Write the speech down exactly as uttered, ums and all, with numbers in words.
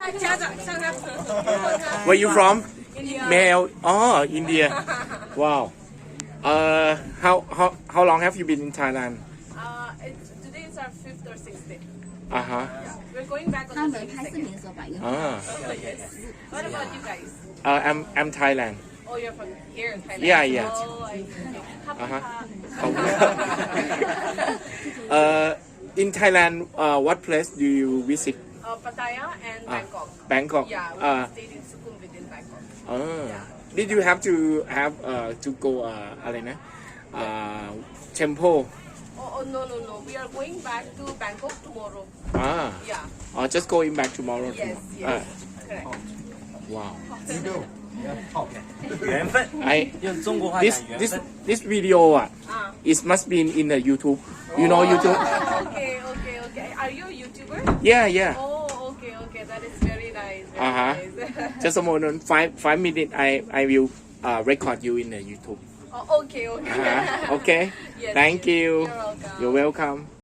家长向他问他 Where you from? India. Male. Oh, India. Wow. Uh, how how how long have you been in Thailand? Uh, it's, today is our fifth or sixth day. Uh huh. We're going back 他 on the 们拍视频 twenty-second. 的时候把银 Ah. Oh, yes. What about you guys? Uh, I'm I'm Thailand. Oh, you're from here in Thailand. Yeah, yeah. Oh, I see. Uh-huh. Kappa. Uh, in Thailand, uh, what place do you visit? Uh, Pattaya and Ah, Bangkok. Bangkok. Yeah, we Uh, stayed in Sukhumvit in Bangkok. uh, did you have to have uh, to go uh, อะไรนะ uh, temple? Oh, oh, no, no, no. We are going back to Bangkok tomorrow. Ah, Yeah. or just going back tomorrow. Yes, Uh, yes. Correct. wow. 缘分， I 用中国话 this 讲缘 this 分。 this video 啊 Ah. it must be in the YouTube. You know YouTube? Okay, okay, okay. Are you a YouTuber? Yeah, yeah. Oh, okay, okay. That is very nice. Very Uh-huh. nice. Just a moment, five five minutes. I I will uh, record you in the YouTube. Oh, okay, okay. Uh-huh. Okay. Yes, Thank yes. you. You're welcome. You're welcome.